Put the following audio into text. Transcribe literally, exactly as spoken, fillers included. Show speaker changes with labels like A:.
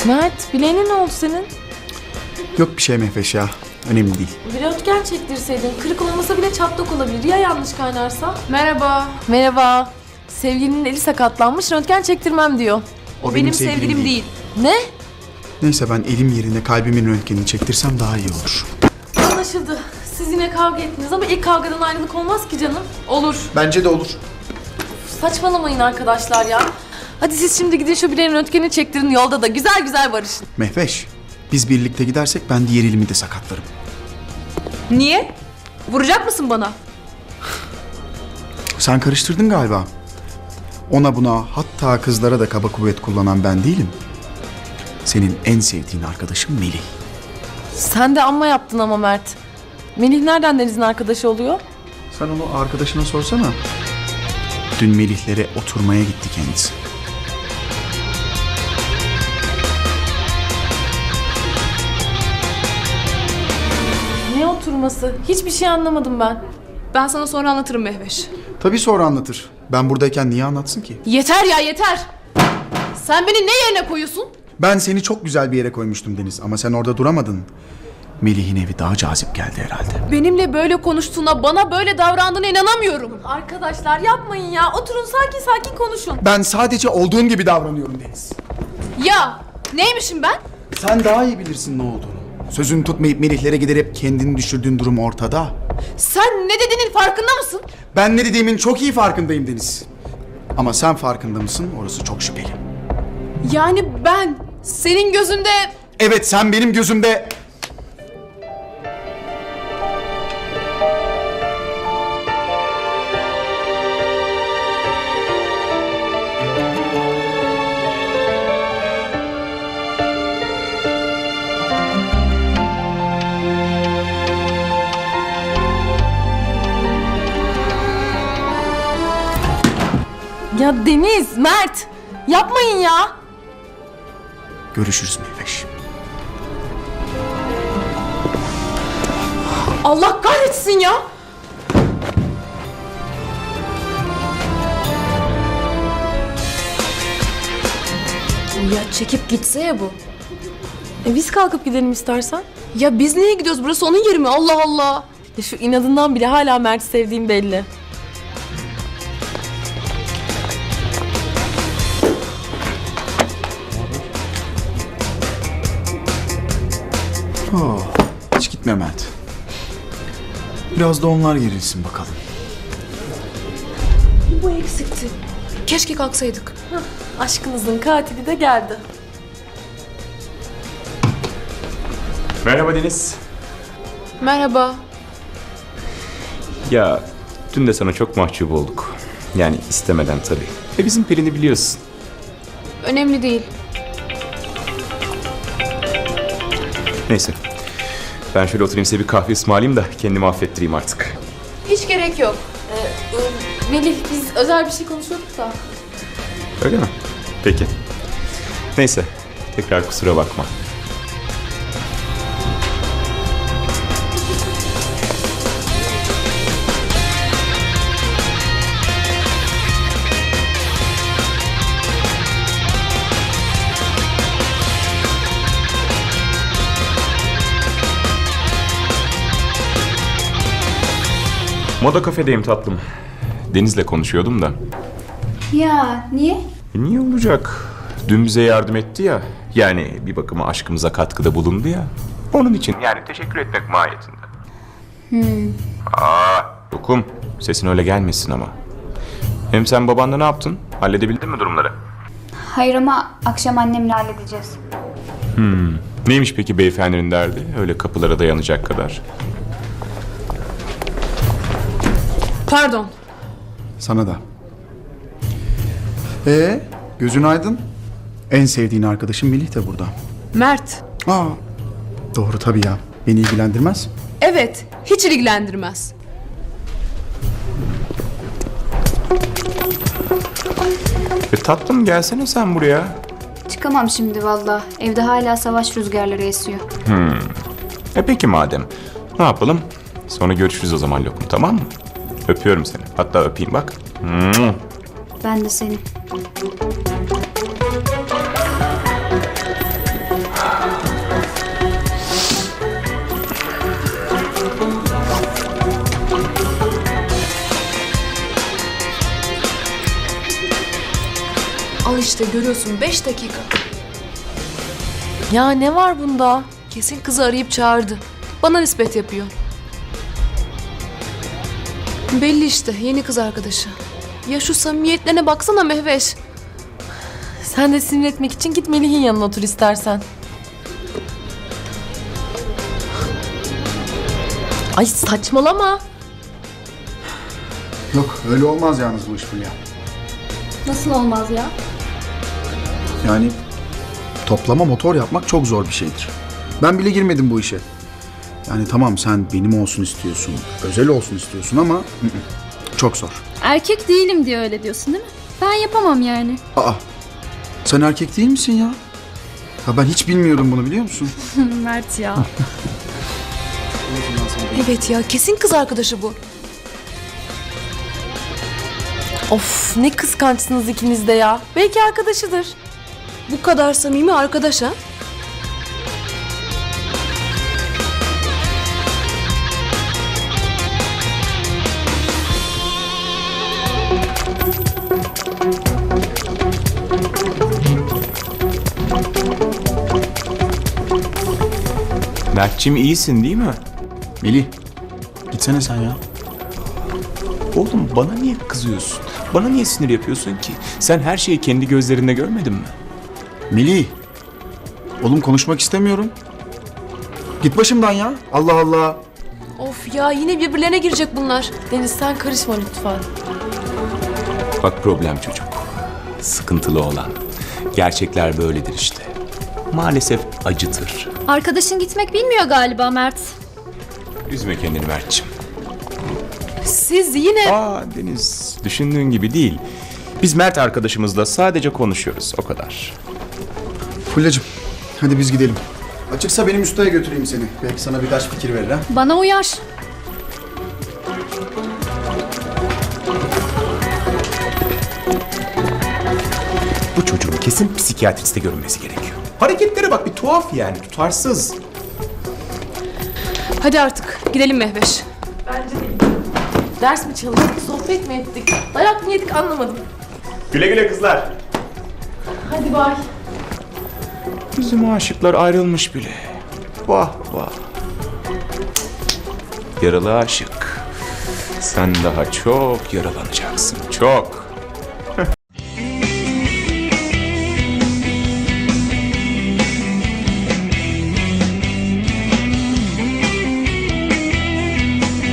A: Mert, bileğine ne oldu senin?
B: Yok bir şey Mehveş ya. Önemli değil.
A: Bir röntgen çektirseydin. Kırık olmasa bile çatlak olabilir. Ya yanlış kaynarsa?
C: Merhaba.
A: Merhaba. Sevgilinin eli sakatlanmış, röntgen çektirmem diyor.
B: O
C: Benim, sevgilim değil.
A: Ne?
B: Neyse ben elim yerine kalbimin röntgenini çektirsem daha iyi olur.
A: Anlaşıldı. Siz yine kavga ettiniz ama ilk kavgadan ayrılık olmaz ki canım.
C: Olur.
B: Bence de olur.
A: Saçmalamayın arkadaşlar ya. Hadi siz şimdi gidin şu bileğin röntgenini çektirin, yolda da güzel güzel barışın.
B: Mehveş, biz birlikte gidersek ben diğer elimi de sakatlarım.
C: Niye? Vuracak mısın bana?
B: Sen karıştırdın galiba. Ona buna hatta kızlara da kaba kuvvet kullanan ben değilim. Senin en sevdiğin arkadaşın Melih.
A: Sen de amma yaptın ama Mert. Melih nereden Deniz'in arkadaşı oluyor?
B: Sen onu arkadaşına sorsana. Dün Melih'lere oturmaya gitti kendisi.
A: Ne oturması? Hiçbir şey anlamadım ben.
C: Ben sana sonra anlatırım Mehveş.
B: Tabii sonra anlatır. Ben buradayken niye anlatsın ki?
C: Yeter ya yeter. Sen beni ne yerine koyuyorsun?
B: Ben seni çok güzel bir yere koymuştum Deniz ama sen orada duramadın. Melih'in evi daha cazip geldi herhalde.
C: Benimle böyle konuştuğuna, bana böyle davrandığına inanamıyorum.
A: Arkadaşlar yapmayın ya. Oturun sakin sakin konuşun.
B: Ben sadece olduğun gibi davranıyorum Deniz.
C: Ya neymişim ben?
B: Sen daha iyi bilirsin ne olduğunu. Sözünü tutmayıp Melih'lere giderek kendini düşürdüğün durum ortada.
C: Sen ne dediğinin farkında mısın?
B: Ben ne dediğimin çok iyi farkındayım Deniz. Ama sen farkında mısın? Orası çok şüpheli.
C: Yani ben senin gözünde...
B: Evet, sen benim gözümde...
A: Ya Deniz, Mert. Yapmayın ya.
B: Görüşürüz Mehveş.
C: Allah kahretsin ya! Ya çekip gitse ya bu.
A: E biz kalkıp gidelim istersen.
C: Ya biz niye gidiyoruz? Burası onun yeri mi? Allah Allah!
A: Ya şu inadından bile hala Mert'i sevdiğim belli.
B: Oh, hiç gitme Mert. Biraz da onlar gerilsin bakalım.
C: Bu eksikti. Keşke kalksaydık.
A: Aşkınızın katili de geldi.
D: Merhaba Deniz.
C: Merhaba.
D: Ya dün de sana çok mahcup olduk. Yani istemeden tabii. E bizim Pelin'i biliyorsun.
C: Önemli değil.
D: Neyse. Ben şöyle oturayım size bir kahve ısmarlayayım da kendimi affettireyim artık.
C: Hiç gerek yok.
A: Melih biz özel bir şey konuşuyorduk da.
D: Öyle mi? Peki. Neyse. Tekrar kusura bakma. Moda kafedeyim tatlım. Deniz'le konuşuyordum da.
E: Ya niye?
D: E niye olacak? Dün bize yardım etti ya. Yani bir bakıma aşkımıza katkıda bulundu ya. Onun için yani teşekkür etmek mahiyetinde. Hmm. Aa, Dokum. Sesin öyle gelmesin ama. Hem sen babanla ne yaptın? Halledebildin mi durumları?
E: Hayır ama akşam annemle halledeceğiz.
D: Neymiş peki beyefendinin derdi? Öyle kapılara dayanacak kadar.
C: Pardon.
B: Sana da. Ee, gözün aydın. En sevdiğin arkadaşın Melih de burada.
C: Mert.
B: Aa, doğru tabii ya. Beni ilgilendirmez.
C: Evet, hiç ilgilendirmez.
D: E tatlım gelsene sen buraya.
E: Çıkamam şimdi valla. Evde hala savaş rüzgarları esiyor.
D: E peki madem. Ne yapalım? Sonra görüşürüz o zaman Lokum, tamam mı? Öpüyorum seni. Hatta öpeyim bak.
E: Ben de seni.
C: işte görüyorsun beş dakika.
A: Ya ne var bunda?
C: Kesin kızı arayıp çağırdı. Bana nispet yapıyor. Belli işte yeni kız arkadaşı. Ya şu samimiyetlerine baksana Mehveş.
A: Sen de sinir etmek için git Melih'in yanına otur istersen. Ay saçmalama.
B: Yok öyle olmaz yalnız bu iş Fulya.
E: Nasıl olmaz ya?
B: Yani toplama motor yapmak çok zor bir şeydir. Ben bile girmedim bu işe. Yani tamam sen benim olsun istiyorsun, özel olsun istiyorsun ama ı ı, çok zor.
E: Erkek değilim diye öyle diyorsun değil mi? Ben yapamam yani.
B: Aa, sen erkek değil misin ya? Ha ben hiç bilmiyordum bunu biliyor musun?
E: Mert ya.
C: Evet ya kesin kız arkadaşı bu.
A: Of ne kıskançsınız ikiniz de ya. Belki arkadaşıdır.
C: Bu kadar samimi arkadaş ha?
D: Mert'cim iyisin değil mi?
B: Melih, gitsene sen ya.
D: Oğlum bana niye kızıyorsun? Bana niye sinir yapıyorsun ki? Sen her şeyi kendi gözlerinde görmedin mi?
B: Melih, oğlum konuşmak istemiyorum. Git başımdan ya. Allah Allah.
C: Of ya yine birbirlerine girecek bunlar.
A: Deniz sen karışma lütfen.
D: Bak problem çocuk. Sıkıntılı olan. Gerçekler böyledir işte. Maalesef acıtır.
E: Arkadaşın gitmek bilmiyor galiba Mert.
D: Üzme kendini Mert'cim.
C: Siz yine...
D: Aa Deniz, düşündüğün gibi değil. Biz Mert arkadaşımızla sadece konuşuyoruz, o kadar.
B: Fulya'cığım, hadi biz gidelim. Açıksa benim ustaya götüreyim seni. Belki sana birkaç fikir verir ha.
E: Bana uyar.
D: Bu çocuğun kesin psikiyatriste görünmesi gerekiyor. Hareketlere bak, bir tuhaf yani, tutarsız.
C: Hadi artık gidelim Mehveş.
A: Ders mi çalıştık, sohbet mi ettik? Dayak mı yedik anlamadım.
D: Güle güle kızlar.
A: Hadi bay.
D: Bizim aşıklar ayrılmış bile. Vah vah. Yaralı aşık. Sen daha çok yaralanacaksın, çok.